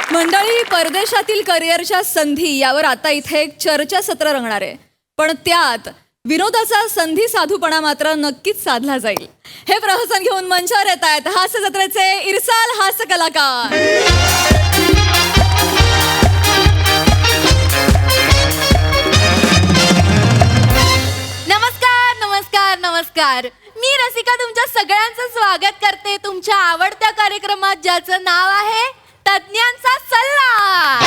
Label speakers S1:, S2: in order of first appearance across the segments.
S1: मंडळी, परदेशातील करिअरच्या संधी यावर आता इथे एक चर्चासत्र रंगणार आहे. पण त्यात विनोदाचा संधी साधूपणा मात्र नक्कीच साधला जाईल. हे प्रहसन घेऊन मंचावर येत आहेत हास्य जत्रेचे इरसाल हास्य कलाकार.
S2: नमस्कार नमस्कार नमस्कार. मी रसिका तुमच्या सगळ्यांचं स्वागत करते तुमच्या आवडत्या कार्यक्रमात, ज्याचं नाव आहे तज्ञांचा सल्ला.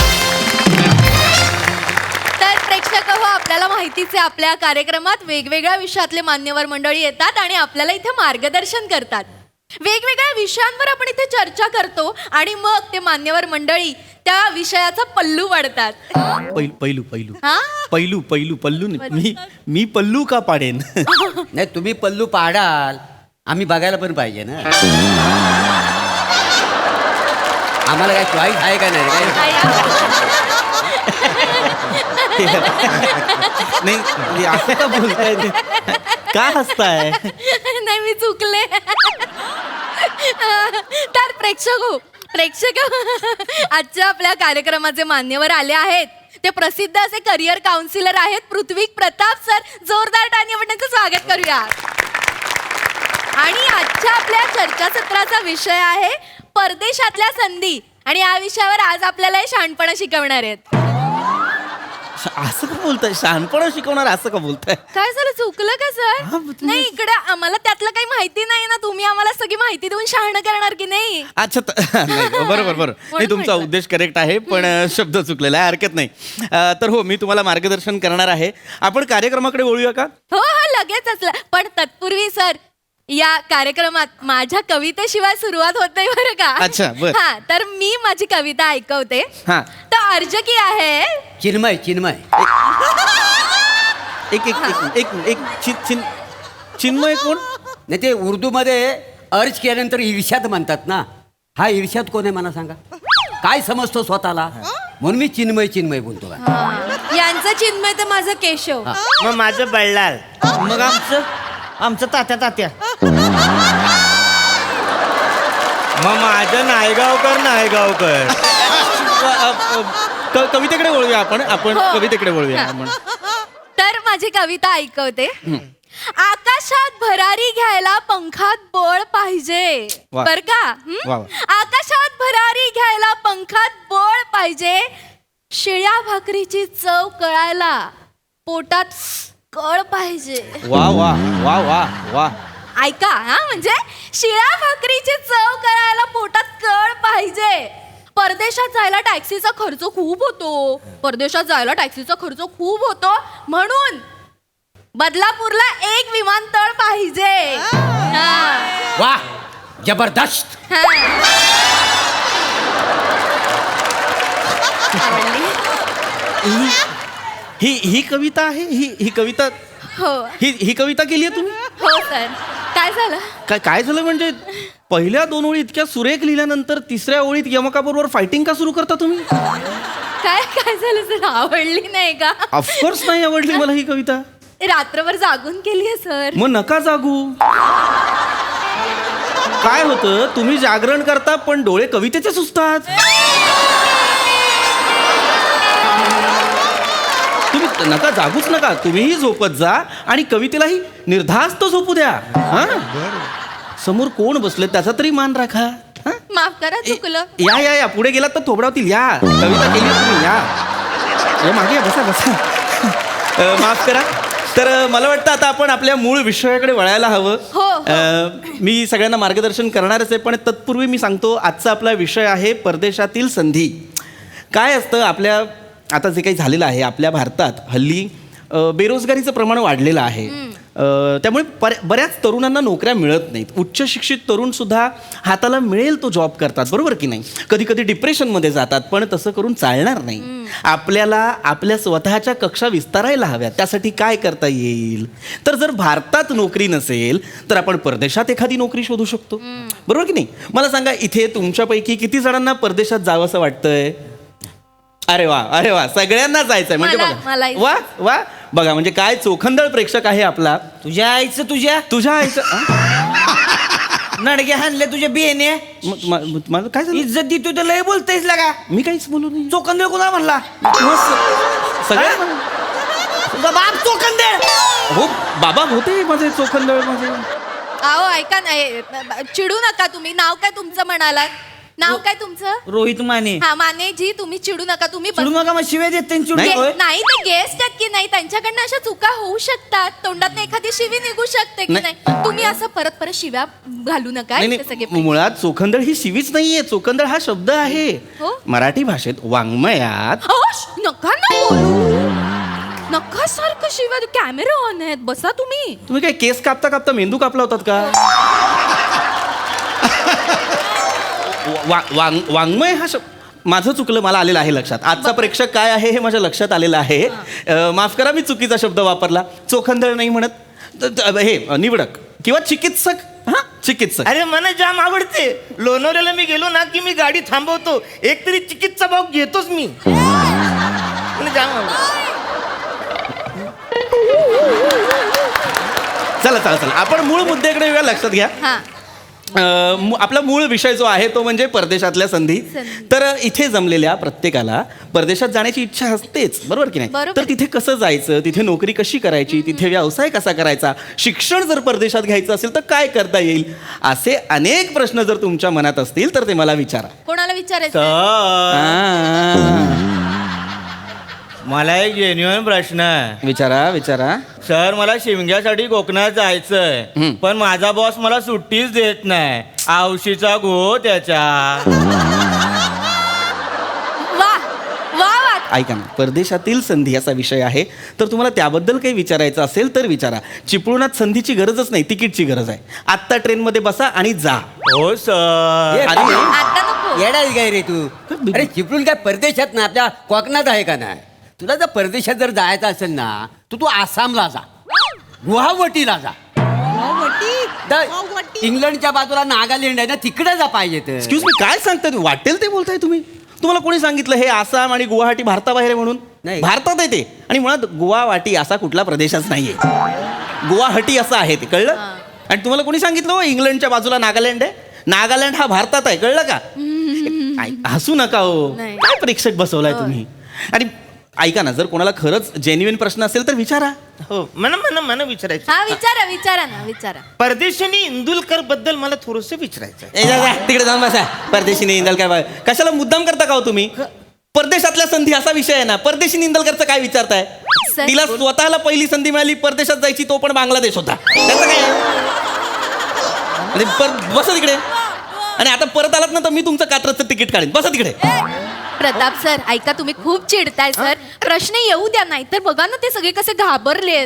S2: तर प्रेक्षक हो, आपल्याला माहितीच आहे, आपल्या कार्यक्रमात वेगवेगळ्या विषयातले मान्यवर मंडळी येतात आणि आपल्याला इथे मार्गदर्शन करतात. वेगवेगळ्या विषयांवर आपण इथे चर्चा करतो आणि मग ते मान्यवर मंडळी त्या विषयाचा पल्लू वाढतात.
S3: पैलू पैलू
S2: हा?
S3: पैलू पैलू पल्लू नाही. मी पल्लू का पाडेन?
S4: नाही, तुम्ही पल्लू पाडाल, आम्ही बघायला पण पाहिजे ना. आम्हाला काय चॉईस आहे का नाही काय?
S3: नाही म्हणजे असं का बोलताय ते? का हसताय?
S2: नाही, मी चुकले. तर प्रेक्षक आजच्या आपल्या कार्यक्रमाचे मान्यवर आले आहेत. ते प्रसिद्ध असे करिअर काउन्सिलर आहेत पृथ्वी प्रताप सर. जोरदार टाळी आपण त्यांचं स्वागत करूया. आणि आजच्या आपल्या चर्चासत्राचा विषय आहे परदेशातल्या संधी, आणि या विषयावर आज आपल्याला हे शहाणपणा शिकवणार आहेत.
S3: असं का बोलताय? शहाणपणा शिकवणार असं का बोलताय?
S2: काय झालं, चुकलं का सर? नाही, इकडे आम्हाला त्यातलं काही माहिती नाही ना. तुम्ही आम्हाला सगळी माहिती देऊन शहाणं करणार की नाही?
S3: अच्छा नाही, बरोबर नाही, तुमचा उद्देश करेक्ट आहे, पण शब्द चुकलेला आहे, हरकत नाही. तर हो, मी तुम्हाला मार्गदर्शन करणार आहे. आपण कार्यक्रमाकडे वळूया का?
S2: हो, लगेच असलं. पण तत्पूर्वी सर, या कार्यक्रमात माझ्या कवितेशिवाय सुरुवात होत नाही बरं का?
S3: अच्छा, बरं.
S2: हा, तर मी माझी कविता ऐकवते.
S3: हा.
S2: तर अर्ज की आहे
S4: चिन्मय
S3: एक एक एक एक चिन्मय कोण?
S4: नाही, ते उर्दूमध्ये अर्ज केल्यानंतर ईर्ष्यात म्हणतात ना. हा ईर्ष्यात कोण आहे मला सांगा? काय समजतो स्वतःला? म्हणून मी चिन्मय बोलतो का?
S2: यांचं चिन्मय तर माझं केशव.
S5: मग माझं बल्लाल.
S3: मग आमचं तात्या.
S5: मग माझं नायगावकर.
S3: कवितेकडे वळूया आपण
S2: हो.
S3: कवितेकडे वळूया आपण.
S2: तर माझी कविता ऐकवते. आकाशात भरारी घ्यायला पंखात बळ पाहिजे.
S3: वा.
S2: बर का?
S3: वा.
S2: आकाशात भरारी घ्यायला पंखात बळ पाहिजे. शिळ्या भाकरीची चव कळायला पोटात कळ पाहिजे.
S3: वा वा वा वा वा.
S2: ऐका, हा, म्हणजे शिळ्या भाकरीची चव करायला पोटात कळ पाहिजे. परदेशात जायला टॅक्सीचा खर्च खूप होतो, म्हणून बदलापूरला एक विमानतळ पाहिजे. हा.
S4: वा, जबरदस्त.
S2: हा.
S3: ही कविता आहे? ही कविता
S2: हो
S3: ही कविता केली आहे तुम्ही?
S2: हो सर. काय झालं?
S3: काय झालं म्हणजे पहिल्या 2 ओळी इतक्या सुरेख लिहिल्यानंतर तिसऱ्या ओळीत यमकाबरोबर फायटिंग का सुरू करता तुम्ही?
S2: काय झालं सर? आवडली नाही का?
S3: ऑफकोर्स नाही आवडली मला ही कविता.
S2: रात्रभर जागून केली आहे सर.
S3: मग नका जागू. काय होतं, तुम्ही जागरण करता पण डोळे कवितेचे सुचतात. तुम्ही नका जागूच नका, तुम्हीही झोपत जा आणि कवितेलाही निर्धास्त झोपू द्या. हा, समोर कोण बसले त्याचा तरी मान राखा. हा?
S2: माफ करा, चुकलं.
S3: या पुढे गेलात तर थोबडावतील. या, कविता केली तुम्ही. या मागे या, बसा. माफ करा. तर मला वाटतं आता आपण आपल्या मूळ विषयाकडे वळायला हवं.
S2: हो.
S3: मी सगळ्यांना मार्गदर्शन करणारच आहे, पण तत्पूर्वी मी सांगतो आजचा आपला विषय आहे परदेशातील संधी. काय असतं, आपल्या आता जे काही झालेलं आहे आपल्या भारतात हल्ली बेरोजगारीचं प्रमाण वाढलेलं आहे. त्यामुळे बऱ्याच तरुणांना नोकऱ्या मिळत नाहीत. उच्च शिक्षित तरुण सुद्धा हाताला मिळेल तो जॉब करतात, बरोबर की नाही? कधी कधी डिप्रेशनमध्ये जातात, पण तसं करून चालणार नाही. आपल्याला आपल्या स्वतःच्या कक्षा विस्तारायला हव्यात. त्यासाठी काय करता येईल? तर जर भारतात नोकरी नसेल तर आपण परदेशात एखादी नोकरी शोधू शकतो, बरोबर की नाही? मला सांगा, इथे तुमच्यापैकी किती जणांना परदेशात जावं असं वाटतंय? अरे वा, सगळ्यांना जायचंय म्हणजे बघा. वा बघा, म्हणजे काय चोखंदळ प्रेक्षक आहे आपला.
S4: तुझ्या आईचं
S3: तुझ्या आईचं
S5: नडगे हाणले तुझे बिहेने
S3: माझं काय झालं
S5: इज्जत दी तू तर लय बोलतेस लागा
S3: मी काहीच बोलू नाही
S5: चोखंदळ कोणा म्हणला
S3: सगळ्या
S5: तुझा बाप चोखंदळ
S3: हो बाबा होते माझे चोखंदळ माझे
S2: अहो ऐका नाही चिडू नका तुम्ही. नाव काय तुमचं म्हणालात? नाव काय तुमचं?
S5: रोहित माने
S2: हा मानेजी, तुम्ही चिडू नका. तुम्ही
S5: चिडू नका मग शिवे देते चिडू
S3: नाही.
S5: होय?
S2: नाही ते गेस्ट आहेत की नाही, त्यांच्याकडनं अशा चुका होऊ शकतात. तोंडात एखादी शिवी निघू शकते की
S3: नाही.
S2: नाही. तुम्ही असं परत परत शिव्या घालू नका.
S3: नाही
S2: इथे सगळे
S3: नाही मुळात चोखंदळ ही शिवीच नाहीये चोखंदळ हा शब्द आहे
S2: हो?
S3: मराठी भाषेत वाङ्मयात
S2: अहो, नका ना बोलू. नका सारखं शिव्या. कॅमेरा ऑन आहेत, बसा तुम्ही.
S3: तुम्ही काय केस कापता कापता मेंदू कापला होतात का वाङ्मय हा शब्द माझं चुकलं मला आलेलं आहे लक्षात आजचा प्रेक्षक काय आहे हे माझ्या लक्षात आलेलं आहे माफ करा मी चुकीचा शब्द वापरला चोखंदळ नाही म्हणत हे निवडक किंवा चिकित्सक हा चिकित्सक
S5: अरे मला जाम आवडते. लोणावळ्याला मी गेलो ना की मी गाडी थांबवतो, एक तरी चिकित्सा भाव घेतोच मी. मला जाम आवडतं.
S3: चला चला चला आपण मूळ मुद्द्याकडे येऊया लक्षात घ्या
S2: हा
S3: आपला मूळ विषय जो आहे तो म्हणजे परदेशातल्या संधी
S2: संधी.
S3: तर इथे जमलेल्या प्रत्येकाला परदेशात जाण्याची इच्छा असतेच बरोबर की नाही
S2: बरोबर.
S3: तर तिथे कसं जायचं तिथे नोकरी कशी करायची तिथे व्यवसाय कसा करायचा शिक्षण जर परदेशात घ्यायचं असेल तर काय करता येईल असे अनेक प्रश्न जर तुमच्या मनात असतील तर ते मला विचारा
S2: कोणाला विचारायचं?
S5: सर
S3: आ,
S5: मला एक जेन्युइन प्रश्न आहे.
S3: विचारा विचारा
S5: सर मला शिमग्यासाठी कोकणात जायचंय
S3: हम्म.
S5: पण माझा बॉस मला सुट्टीच देत नाही. आवशीचा गो त्याच्या.
S2: वा वा वा.
S3: ऐका ना परदेशातील संधी असा विषय आहे तर तुम्हाला त्याबद्दल काही विचारायचं असेल तर विचारा चिपळूणात संधीची गरजच नाही तिकीटची गरज आहे आत्ता ट्रेनमध्ये बसा आणि जा
S5: हो सर.
S4: ये,
S3: अरे
S2: आता नको.
S4: येडा काय रे तू अरे चिपळूण काय परदेशात ना आपल्या कोकणात आहे का नाही. तुला जर परदेशात जर जायचं असेल ना तू आसामला जा गुवाहाटीला जा इंग्लंडच्या बाजूला नागालँड आहे ना तिकडे जा पाहिजे तर.
S3: एक्सक्यूज मी काय सांगताय तुम्ही वाटेल ते बोलताय तुम्ही तुम्हाला कोणी सांगितलं हे आसाम आणि गुवाहाटी भारताबाहेर आहे म्हणून
S4: नाही.
S3: भारतात आहे ते आणि मुळात गुवाहाटी असा कुठला प्रदेशच नाहीये गुवाहाटी असं आहे ते कळलं आणि तुम्हाला कोणी सांगितलं हो इंग्लंडच्या बाजूला नागालँड आहे नागालँड हा भारतात आहे कळलं का हसू नका हो
S2: नाही.
S3: काय प्रेक्षक बसवलाय तुम्ही आणि ऐका ना जर कोणाला खरंच जेन्युइन प्रश्न असेल तर विचारा
S5: हो मला विचारायचं.
S2: हा विचारा विचारा ना विचारा.
S5: परदेशानी इंदुलकर बद्दल मला थोडस विचारायचं आहे.
S3: ए, जा, जा, तिकडे जाऊन बसा परदेशी इंदलकर काय कशाला मुद्दाम करता का हो तुम्ही परदेशातल्या संधी असा विषय आहे ना परदेशी निंदलकरचं काय विचारताय
S2: सर,
S3: तिला स्वतःला पहिली संधी मिळाली परदेशात जायची तो पण बांगलादेश होता त्याचं काय बसा तिकडे आणि आता परत आलात ना तर मी तुमचं कात्रचं तिकीट काढेन बसा तिकडे
S2: प्रताप सर ऐका तुम्ही खूप चिडताय सर. प्रश्न येऊ द्या नाही तर बघा ना ते सगळे कसे घाबरलेत.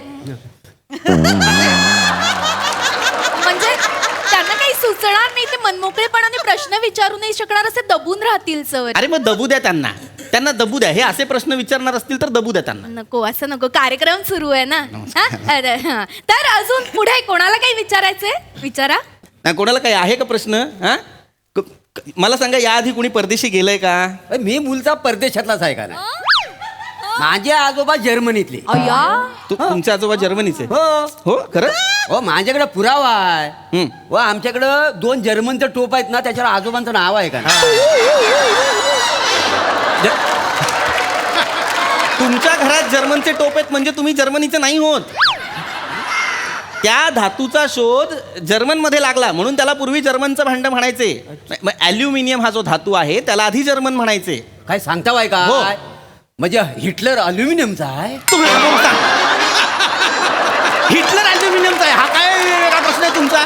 S2: म्हणजे त्यांना काही सुचणार नाही ते मनमोकळेपणाने प्रश्न विचारू नाही शकणार असे दबून राहतील सर.
S3: अरे मग दबू द्या त्यांना दबू द्या हे असे प्रश्न विचारणार असतील तर दबू द्या त्यांना
S2: नको असं नको कार्यक्रम सुरू आहे ना. हा? अरे, हा. तर अजून पुढे कोणाला काही विचारायचंय विचारा.
S3: नाही, कोणाला काही आहे का प्रश्न हा मला सांगा याआधी कोणी परदेशी गेलंय का
S4: अरे, मी मूलचा परदेशातलाच आहे का नाही. माझे आजोबा जर्मनीतले.
S2: अय्या
S3: तुमचे आजोबा जर्मनीचे
S4: हो
S3: हो खरं
S4: हो माझ्याकडे पुरावा आहे
S3: हम्म.
S4: व आमच्याकडं 2 जर्मनचं टोप आहेत ना त्याच्यावर आजोबांचं नाव आहे का नाही?
S3: तुमच्या घरात जर्मनचे टोप आहेत म्हणजे तुम्ही जर्मनीचे नाही होत त्या धातूचा शोध जर्मनमध्ये लागला म्हणून त्याला पूर्वी जर्मनचं भांडं म्हणायचे ॲल्युमिनियम हा जो धातू आहे त्याला आधी जर्मन म्हणायचे
S4: काय सांगता बाय का
S3: हो.
S4: म्हणजे हिटलर अल्युमिनियमचा आहे.
S3: तुम्ही बोलता. हिटलर ॲल्युमिनियमचा आहे हा काय वेगळा प्रश्न आहे तुमचा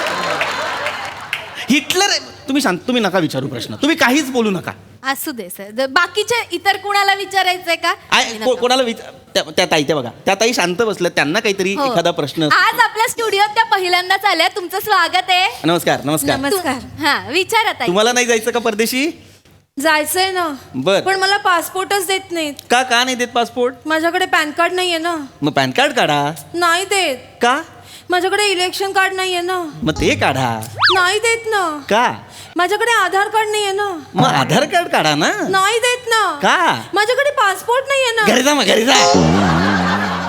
S3: हिटलर तुम्ही नका विचारू प्रश्न तुम्ही काहीच बोलू नका
S2: असू दे सर. बाकीचे इतर कुणाला विचारायचंय का?
S3: कोणाला त्या ताई त्या बघा त्या ताई शांत बसल्या त्यांना काहीतरी
S2: हो.
S3: एखादा प्रश्न
S2: आज आपल्या स्टुडिओत त्या पहिल्यांदाच आल्या. तुमचं स्वागत आहे.
S3: नमस्कार नमस्कार
S1: नमस्कार.
S2: हा विचारा ताई.
S3: तुम्हाला नाही जायचं का परदेशी
S1: जायचंय ना
S3: बर.
S1: पण मला पासपोर्टच देत नाहीत.
S3: का नाही देत पासपोर्ट
S1: माझ्याकडे पॅन कार्ड नाहीये ना.
S3: मग पॅन कार्ड काढा
S1: नाही देत.
S3: का
S1: माझ्याकडे इलेक्शन कार्ड नाहीये ना.
S3: मग ते काढा
S1: नाही देत ना.
S3: का
S1: माझ्याकडे आधार कार्ड नाहीये ना.
S3: मग आधार कार्ड काढा ना
S1: नाही देत ना.
S3: का
S1: माझ्याकडे पासपोर्ट नाहीये ना.
S3: घरी जा मग घरी जा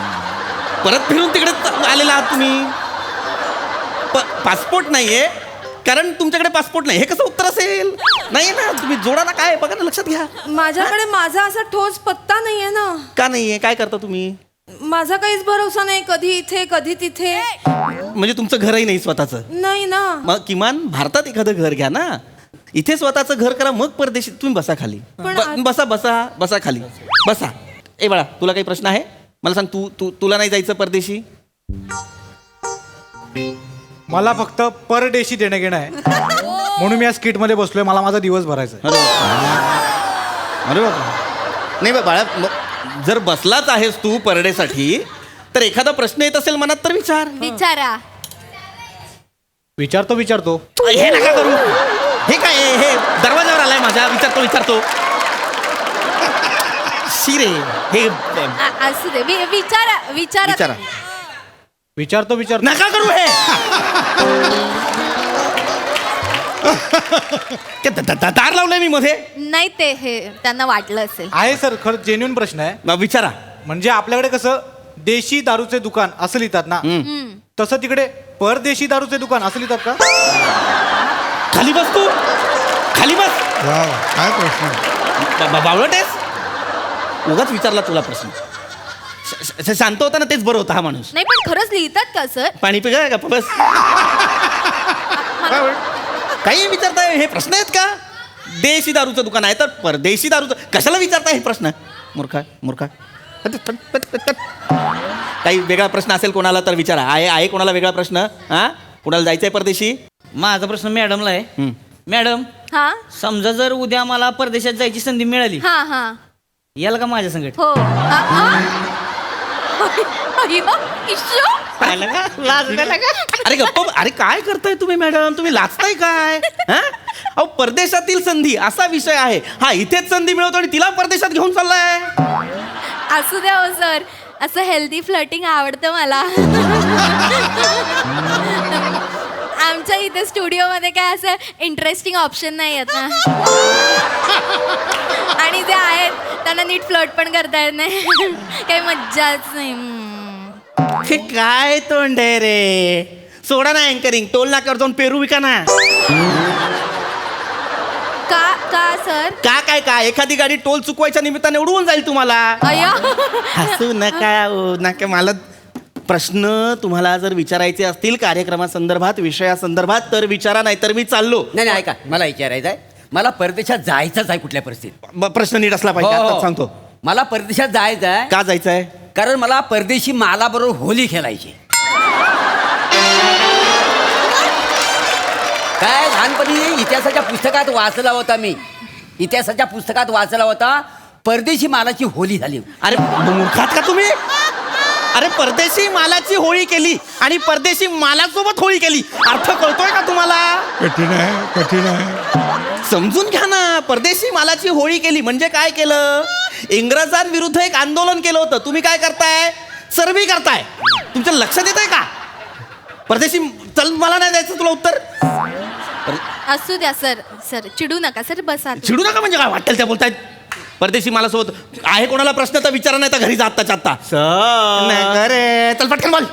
S3: परत फिरून तिकडे आलेला आहात तुम्ही पासपोर्ट नाहीये कारण तुमच्याकडे पासपोर्ट नाही. हे कसं उत्तर असेल? नाही ना, तुम्ही जोडा ना. काय बघा ना, लक्षात घ्या.
S6: माझ्याकडे माझा असा ठोस पत्ता नाहीये ना.
S3: का नाहीये? काय करता तुम्ही?
S6: माझा काहीच भरोसा नाही, कधी इथे कधी तिथे.
S3: म्हणजे तुमचं घरही नाही स्वतःचं?
S6: नाही ना.
S3: मग किमान भारतात एखादं घर घ्या ना. इथे स्वतःचं घर करा, मग परदेशी. तुम्ही बसा खाली. बसा बसा बसा खाली बसा. ए बाळा, तुला काही प्रश्न आहे? मला सांग, तुला नाही जायचं परदेशी?
S7: मला फक्त पर डेशी देणं घेणं आहे, म्हणून मी या स्किट मध्ये बसलोय. मला माझा दिवस भरायचा आहे.
S3: अरे बाबा. नाही बाळा, जर बसलाच आहेस तू परडेसाठी, तर एखादा प्रश्न येत असेल मनात तर विचार.
S2: विचारा.
S7: विचारतो.
S3: हे नका करू. हे काय हे दरवाजावर आलाय माझ्या. विचारतो. शिरे हे
S2: असू दे. विचारा.
S3: विचारा.
S7: विचारतो.
S3: नका करू हे. दार लावलंय मी मध्ये.
S2: नाही, ते हे त्यांना वाटलं असेल.
S7: आहे सर, खरं जेन्युइन प्रश्न आहे.
S3: मग विचारा.
S7: म्हणजे आपल्याकडे कसं देशी दारूचे दुकान असं लिहितात ना, तसं तिकडे परदेशी दारूचे दुकान असं लिहितात का?
S3: खाली बस तू. खाली बस.
S8: काय प्रश्न?
S3: बावळट आहेस. उगाच विचारला तुला प्रश्न. शांत होता ना, तेच बरं होता हा माणूस.
S2: नाही, पण खरंच लिहितात का सर?
S3: पाणी पिका का बस. काही विचारताय? हे प्रश्न आहेत का? देशी दारूचं दुकान आहे तर परदेशी दारूचं कशाला विचारताय हे प्रश्न? मूर्खा. काही वेगळा प्रश्न असेल कोणाला तर विचारा. आहे कोणाला वेगळा प्रश्न? हा, कोणाला जायचंय परदेशी?
S9: माझा प्रश्न मॅडमला आहे. मॅडम,
S2: हा
S9: समजा जर उद्या मला परदेशात जायची संधी मिळाली,
S2: हा
S9: याल का माझ्या संगत?
S2: हो. अय्यो, इश्शो.
S3: अरे गप्प. अरे काय करताय तुम्ही मॅडम? तुम्ही लाजताय काय? हा, अहो परदेशातील संधी असा विषय आहे. हा, इथेच संधी मिळवतो आणि तिला परदेशात घेऊन चाललाय.
S2: असू द्या हो सर, असं हेल्दी फ्लटिंग आवडतं मला. आमच्या इथे स्टुडिओमध्ये काय असं इंटरेस्टिंग ऑप्शन नाही आहेत ना. आणि जे आहेत त्यांना नीट फ्लट पण करता येत नाही. काही मज्जाच नाही.
S3: हे काय तोंड आहे रे? सोडा ना अँकरिंग. टोल नाक्यावर जाऊन पेरू विका ना.
S2: का सर?
S3: काय एखादी गाडी टोल चुकवायच्या निमित्ताने उडवून जाईल तुम्हाला.
S2: अय्या.
S3: हसू नका. मला प्रश्न तुम्हाला जर विचारायचे असतील कार्यक्रमासंदर्भात, विषयासंदर्भात, तर विचारा, नाही तर मी चाललो.
S4: नाही ऐका, मला विचारायचं आहे. मला परदेशात जायचंच आहे कुठल्या परिस्थितीत.
S3: प्रश्न नीट असला पाहिजे.
S4: हो, हो.
S3: आता सांगतो.
S4: मला परदेशात जायचं आहे.
S3: का जायचंय?
S4: कारण मला परदेशी मालाबरोबर होली खेळायची. काय लहानपणी इतिहासाच्या पुस्तकात वाचला होता मी. इतिहासाच्या पुस्तकात वाचला होता, परदेशी मालाची होली झाली.
S3: अरे मूर्खात का तुम्ही? अरे परदेशी मालाची होळी केली आणि परदेशी मालासोबत होळी केली. अर्थ कळतोय का तुम्हाला?
S8: कठीण आहे.
S3: समजून घ्या ना. परदेशी मालाची होळी केली म्हणजे काय केलं? इंग्रजांविरुद्ध एक आंदोलन केलं होतं. तुम्ही काय करताय? चरबी करताय. तुमच्या लक्षात येत आहे का? परदेशी चल, मला नाही द्यायचं तुला उत्तर.
S2: असू द्या सर, चिडू नका सर, बसा.
S3: चिडू नका म्हणजे काय वाटेल त्या बोलतायत. परदेशी मालासोबत आहे कोणाला प्रश्न तर विचारा, नाही तर घरी जा आत्ताच्या आत्ता. अरे चल पटकन बोल.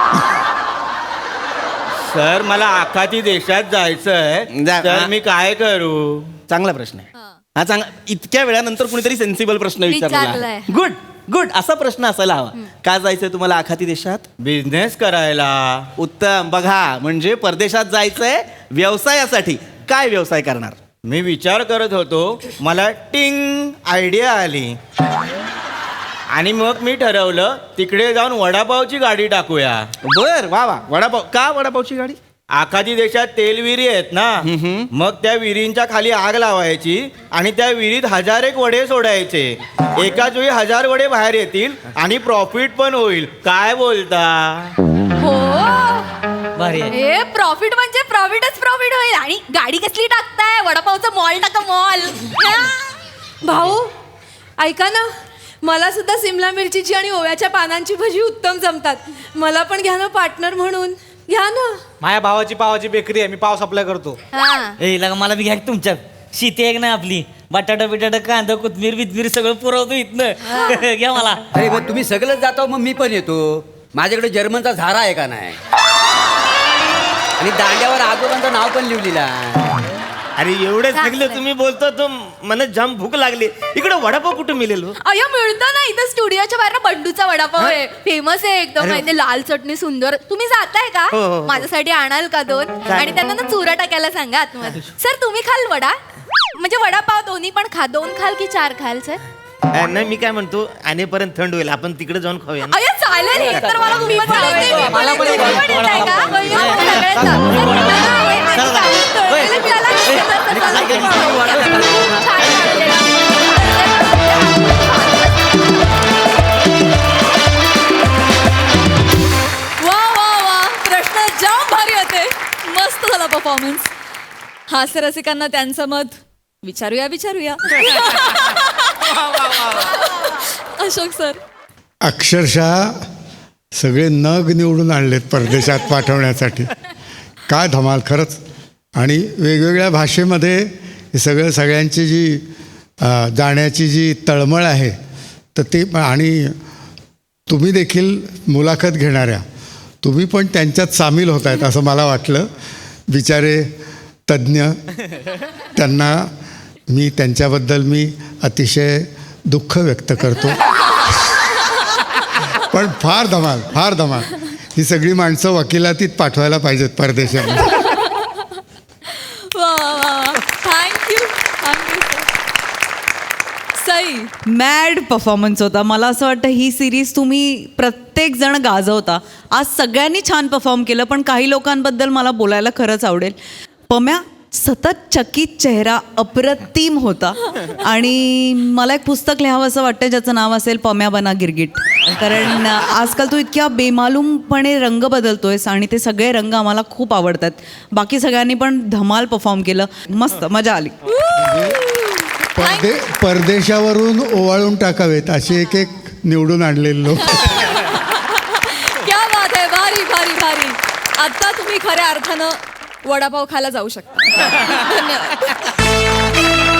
S5: सर, मला आखाती देशात जायचंय,
S3: जा.
S5: तर मी काय करू?
S3: चांगला प्रश्न आहे हा. चांगला. इतक्या वेळानंतर कुणीतरी सेन्सिबल प्रश्न विचारला.
S2: विचारलाय.
S3: गुड. असा प्रश्न असायला हवा. का जायचंय तुम्हाला आखाती देशात?
S5: बिझनेस करायला.
S3: उत्तम. बघा, म्हणजे परदेशात जायचंय व्यवसायासाठी. काय व्यवसाय करणार?
S5: मी विचार करत होतो, मला टिंग आयडिया आली आणि मग मी ठरवलं तिकडे जाऊन वडापावची गाडी टाकूया.
S3: बर, वा. वडापाव. का वडापावची गाडी?
S5: आखाती देशात तेल विहिरी आहेत ना, मग त्या विहिरींच्या खाली आग लावायची आणि त्या विहिरीत 1000 वडे सोडायचे. एकाच वेळी 1000 वडे बाहेर येतील आणि प्रॉफिट पण होईल. काय बोलता?
S2: हो,
S9: भारी आहे.
S2: हे प्रॉफिट म्हणजे प्रॉफिटच प्रॉफिट होईल. आणि गाडी कसली टाकताय? वडापावचा मॉल टाका, मॉल.
S6: भाऊ ऐका ना, मला सुद्धा सिमला मिरचीची आणि ओव्याच्या पानांची भजी उत्तम जमतात. मला पण घ्या ना पार्टनर म्हणून. घ्या ना.
S7: माझ्या भावाची पावाची बेकरी आहे, मी पाव सप्लाय करतो.
S2: हा.
S9: ए लगा, मला बी घ्या की तुमच्यात. शेती आहे ना आपली. बटाटा बिटाटा, कांदा, कोथमीर बिथमीर सगळं पुरवतो इथनं. घ्या मला.
S4: अरे मग तुम्ही सगळंच जाता, मग मी पण येतो. माझ्याकडे जर्मनचा झारा आहे का नाही? आणि दांड्यावर आजोबांचं नाव पण लिहिलेलं आहे.
S5: अरे एवढे सगळे तुम्ही बोलतो तो मला जाम भूक लागली. इकडे वडापाव कुठे मिळेल हो?
S2: अय्या मिळतो ना इथं स्टुडिओच्या बाहेर बंडूचा वडापाव आहे, फेमस आहे एकदम.
S5: अरे.
S2: माहिती लाल चटणी सुंदर. तुम्ही जाताय का?
S5: हो, हो, हो.
S2: माझ्यासाठी आणाल का 2? आणि त्यांना ना चुरा टाकायला सांगा आतमध्ये. सर तुम्ही खाल वडा? म्हणजे वडापाव दोन्ही पण खा. 2 खाल की 4 खाल सर?
S5: नाही मी काय म्हणतो आणेपर्यंत थंड होईल, आपण तिकडे जाऊन खाऊया ना.
S2: अय्या चालेल हे तर मला खूपच आवडते.
S9: मला पण
S2: तुम्ही पण येताय का? अय्या, सगळेच जा. तळलेलं त्याला छान
S1: वा वा वा, प्रश्न जाम भारी होते. मस्त झाला परफॉर्मन्स. हास्य रसिकांना त्यांचं मत विचारूया. अशोक सर,
S8: अक्षरशः सगळे नग निवडून आणलेत परदेशात पाठवण्यासाठी. काय धमाल खरंच. आणि वेगवेगळ्या भाषेमध्ये हे सगळ्यांची जी जाण्याची जी तळमळ आहे तर ते आणि तुम्ही देखील मुलाखत घेणाऱ्या तुम्ही पण त्यांच्यात सामील होत आहेत असं मला वाटलं. बिचारे तज्ज्ञ, त्यांना त्यांच्याबद्दल मी अतिशय दुःख व्यक्त करतो. पण फार धमाल. ही सगळी माणसं वकिलातीत पाठवायला पाहिजेत परदेशात.
S1: वा थँक्यू सई.
S10: मॅड परफॉर्मन्स होता. मला असं वाटतं ही सिरीज तुम्ही प्रत्येक जण गाजवता. आज सगळ्यांनी छान परफॉर्म केलं, पण काही लोकांबद्दल मला बोलायला खरंच आवडेल. पम्या सतत चकित चेहरा अप्रतिम होता. आणि मला एक पुस्तक लिहावं असं वाटतं ज्याचं नाव असेल पम्या बना गिरगिट. कारण आजकाल तू इतक्या बेमालूमपणे रंग बदलतोयस आणि ते सगळे रंग आम्हाला खूप आवडतात. बाकी सगळ्यांनी पण धमाल परफॉर्म केलं. मस्त मजा आली.
S8: परदेशावरून ओवाळून टाकावेत असे एक निवडून आणलेले लोक.
S1: क्या बात आहे. भारी. आता तुम्ही खऱ्या अर्थानं वडापाव खायला जाऊ शकता. धन्यवाद.